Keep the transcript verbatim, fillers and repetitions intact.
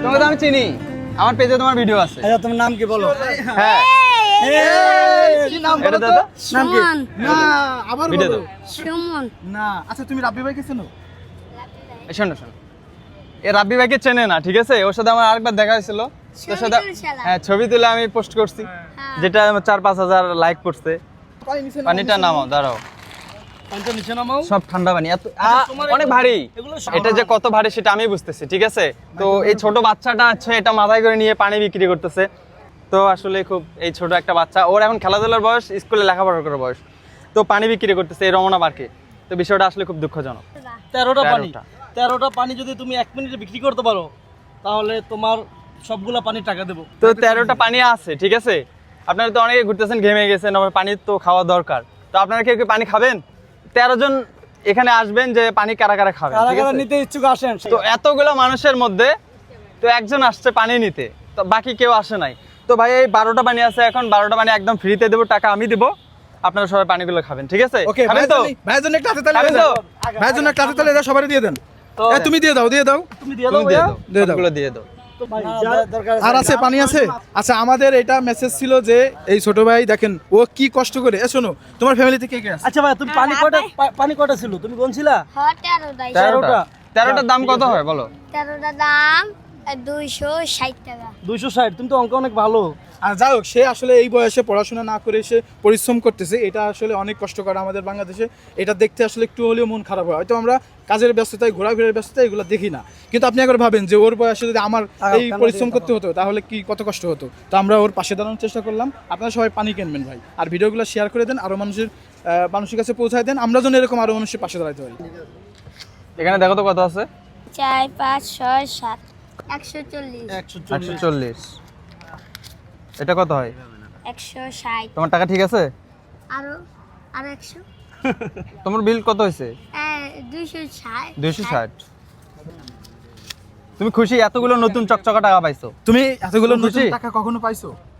তোমাকে তো আমি চিনি, আমার পেজে তোমার ভিডিও আছে। আচ্ছা তোমার নাম কি বলো? হ্যাঁ কি নাম এটা বলো তো? দাদা নাম কি? সুমন। না আবার ভিডিও বলো। দাও। সুমন। না আচ্ছা তুমি রাব্বি ভাইকে চেনো? এই শোনো শোনো, এ রাব্বি ভাইকে চেনে না, ঠিক আছে? ওর সাথে আমার আরেকবার দেখা হয়েছিল, তোর সাথে হ্যাঁ ছবি তুলে আমি পোস্ট করছি, যেটা আমার চার পাঁচ হাজার লাইক করছে। পানি নিচে নামাও, পানিটা নিচে নামাও, দাঁড়াও। পানিটা নিচে নামাও। সব ঠান্ডা পানি, এত আ- তোমার অনেক এগুলো- ভারী। এগুলো এটা যে কত ভারী সেটা আমি বুঝতেছি, ঠিক আছে? তো এই ছোট বাচ্চাটা আছে, এটা মাথায় করে নিয়ে পানি বিক্রি করতেছে। তো আসলে খুব এই ছোট একটা বাচ্চা, ওর এখন খেলাধুলার বয়স, স্কুলে লেখাপড়া করার বয়স, তো পানি বিক্রি করতেছে এই রমনা পার্কে। তো বিষয়টা আসলে খুব দুঃখজনক। তেরোটা পানি তেরোটা। তেরোটা পানি যদি তুমি এক মিনিটে বিক্রি করতে পারো তাহলে তোমার সবগুলা পানি টাকা দেবো। তো তেরোটা পানি আছে, ঠিক আছে? আপনারা তো অনেকে ঘুরতেছেন, ঘেমে গেছেন, আবার পানি তো খাওয়া দরকার। তো আপনারা কেউ কেউ পানি খাবেন? তেরো জন এখানে আসবেন, যে পানি কারা কারা খাবেন, কারা ঠিক কারা আছে? নিতে ইচ্ছুক আসেন। তো এতগুলো মানুষের মধ্যে তো একজন আসছে পানি নিতে, তো বাকি কেউ আসে নাই। তো ভাই এই বারোটা পানি আছে, এখন বারোটা পানি একদম ফ্রিতে দেবো, টাকা আমি দেবো, আপনারা সবাই পানিগুলো খাবেন, ঠিক আছে? ওকে খাবেন তো? ভাইয়ের জন্য একটা হাতে তালি খাবেন দিয়ে তো? দাও। ভাইয়ের জন্য একটা হাতে তালি দাও, সবাই দিয়ে দেন। তো এ, তুমি দিয়ে দাও, দিয়ে দাও। তুমি দিয়ে তুমি দাও দিয়ে ভাইয়া। দাও, দিয়ে দাও। সবগুলো দিয়ে দাও। তো ভাই, যা- দরকার আর আছে পানি আছে? আচ্ছা আমাদের এটা মেসেজ ছিল যে এই ছোট ভাই দেখেন ও কি কষ্ট করে। এ শোনো, তোমার ফ্যামিলিতে কে কে আছে? আচ্ছা ভাই তুমি পানি আর কয়টা ভাই? পা- পানি কয়টা ছিল তুমি গুনছিলা? হ্যাঁ তেরোটাই। তেরোটা। তেরোটার দাম ঠিক কত আছে। হয় বলো? তেরোটা দাম দুইশো ষাট টাকা। দুইশো ষাট। তুমি তো অঙ্ক অনেক ভালো। আর যাই হোক, সে আসলে এই বয়সে পড়াশোনা না করে সে পরিশ্রম করতেছে, এটা আসলে অনেক কষ্টকর আমাদের বাংলাদেশে। এটা দেখতে আসলে একটু হলেও মন খারাপ হয়। হয়তো আমরা কাজের ব্যস্ততায়, ঘোরাফেরার ব্যস্ততায় এগুলো দেখি না, কিন্তু আপনি একবার ভাবেন যে ওর বয়সে যদি আমার তাকাও, এই কেন পরিশ্রম দিয়ে করতে হতো তাহলে কি কত কষ্ট হতো। তো আমরা ওর পাশে দাঁড়ানোর চেষ্টা করলাম। আপনারা সবাই পানি কিনবেন ভাই, আর ভিডিওগুলো শেয়ার করে দেন, আরও মানুষের আহ, মানুষের কাছে পৌঁছায় দেন, আমরা যেন এরকম আরও মানুষের পাশে দাঁড়াতে পারি। এখানে দেখো তো কত আছে। চার পাঁচ ছয় সাত একশো চল্লিশ। একশো একশো চল্লিশ। চল্লিশ। এটা কত হয়? একশো ষাট। তোমার টাকা ঠিক আছে? আরো আরো একশো। তোমার বিল কত হয়েছে? দুইশো ষাট। দুইশো ষাট। তুমি খুশি? এতগুলো নতুন চকচকা টাকা পাইছো? তুমি এতগুলো তুমি নতুন খুশি? টাকা কখনো পাইছো?